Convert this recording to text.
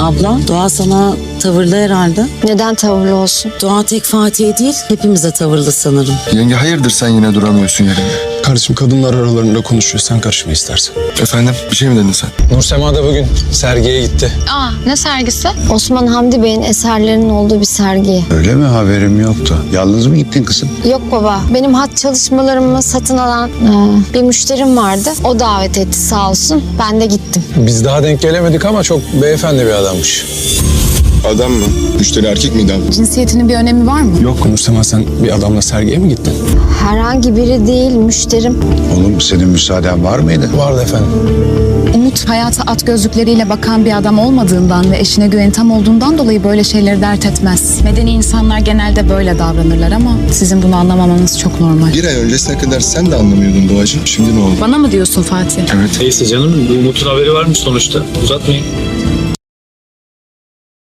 Abla, Doğa sana tavırlı herhalde. Neden tavırlı olsun? Doğa tek Fatih'e değil, hepimize tavırlı sanırım. Yenge hayırdır sen yine duramıyorsun yerinde? Kardeşim kadınlar aralarında konuşuyor. Sen karışma istersen. Efendim bir şey mi dedin sen? Nursema da bugün sergiye gitti. Aa, ne sergisi? Osman Hamdi Bey'in eserlerinin olduğu bir sergi. Öyle mi? Haberim yoktu. Yalnız mı gittin kızım? Yok baba, benim hat çalışmalarımı satın alan bir müşterim vardı. O davet etti sağ olsun. Ben de gittim. Biz daha denk gelemedik ama çok beyefendi bir adammış. Adam mı? Müşteri erkek miydi abi? Cinsiyetinin bir önemi var mı? Yok Nursema, sen bir adamla sergiye mi gittin? Herhangi biri değil, müşterim. Oğlum senin müsaaden var mıydı? Vardı efendim. Umut hayata at gözlükleriyle bakan bir adam olmadığından ve eşine güveni tam olduğundan dolayı böyle şeyleri dert etmez. Medeni insanlar genelde böyle davranırlar ama sizin bunu anlamamanız çok normal. Bir ay öncesine kadar sen de anlamıyordun Doğacığım. Şimdi ne oldu? Bana mı diyorsun Fatih? Evet. Neyse canım, bu Umut'un haberi var mı sonuçta? Uzatmayın.